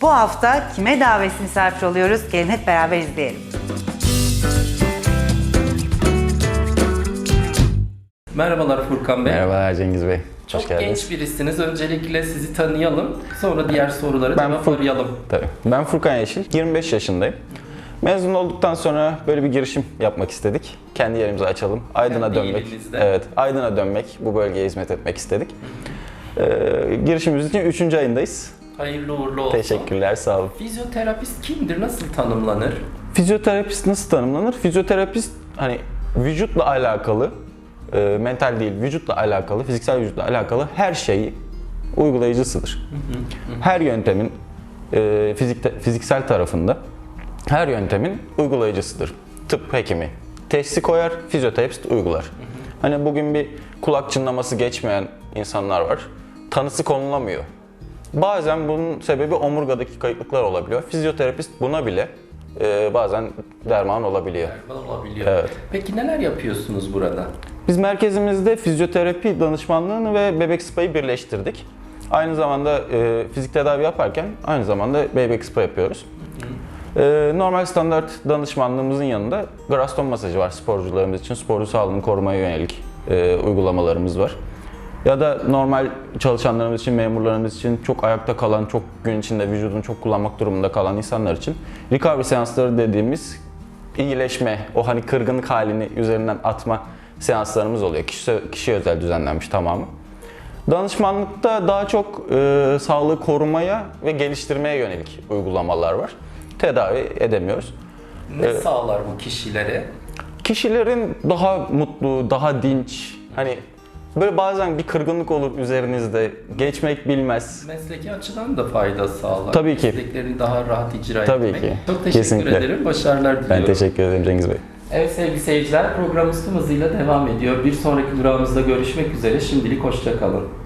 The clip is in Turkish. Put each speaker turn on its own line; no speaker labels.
Bu hafta kime davetsiz misafir oluyoruz? Gelin hep beraber izleyelim.
Merhabalar Furkan Bey.
Merhabalar Cengiz Bey.
Çok
Hoş geldiniz.
genç birisiniz. Öncelikle sizi tanıyalım. Sonra diğer soruları
Ben
cevaplayalım.
Tabii. Ben Furkan Yeşil, 25 yaşındayım. Mezun olduktan sonra böyle bir girişim yapmak istedik. Kendi yerimizi açalım. Aydın'a
Kendi
dönmek.
ilimizde.
Evet, Aydın'a dönmek, bu bölgeye hizmet etmek istedik. Girişimimiz için 3. ayındayız.
Hayırlı uğurlu olsun.
Teşekkürler, sağ olun.
Fizyoterapist kimdir? Nasıl tanımlanır?
Fizyoterapist nasıl tanımlanır? Fizyoterapist hani vücutla alakalı, mental değil, vücutla alakalı, fiziksel vücutla alakalı her şeyi uygulayıcısıdır. Her yöntemin fiziksel tarafında her yöntemin uygulayıcısıdır. Tıp hekimi teşhisi koyar, fizyoterapist uygular. Hani bugün bir kulak çınlaması geçmeyen insanlar var. Tanısı konulamıyor. Bazen bunun sebebi omurgadaki kayıplıklar olabiliyor. Fizyoterapist buna bile bazen derman olabiliyor.
Olabiliyor.
Evet.
Peki neler yapıyorsunuz burada?
Biz merkezimizde fizyoterapi danışmanlığını ve bebek spa'yı birleştirdik. Aynı zamanda fizik tedavi yaparken aynı zamanda bebek spa yapıyoruz. Normal standart danışmanlığımızın yanında Graston masajı var sporcularımız için. Sporcu sağlığını korumaya yönelik uygulamalarımız var. Ya da normal çalışanlarımız için, memurlarımız için çok ayakta kalan, çok gün içinde vücudunu çok kullanmak durumunda kalan insanlar için recovery seansları dediğimiz iyileşme, o hani kırgınlık halini üzerinden atma seanslarımız oluyor. Kişiye özel düzenlenmiş tamamı. Danışmanlıkta daha çok sağlığı korumaya ve geliştirmeye yönelik uygulamalar var. Tedavi edemiyoruz.
Ne sağlar bu kişilere?
Kişilerin daha mutlu, daha dinç, hani böyle bazen bir kırgınlık olur üzerinizde, geçmek bilmez.
Mesleki açıdan da fayda sağlar.
Tabii ki.
Mesleklerini daha rahat icra
Tabii
etmek.
ki.
Çok teşekkür
Kesinlikle.
ederim. Başarılar diliyorum.
Ben teşekkür ederim Cengiz Bey.
Evet sevgili seyirciler, programımız tüm hızıyla devam ediyor. Bir sonraki durağımızda görüşmek üzere. Şimdilik hoşça kalın.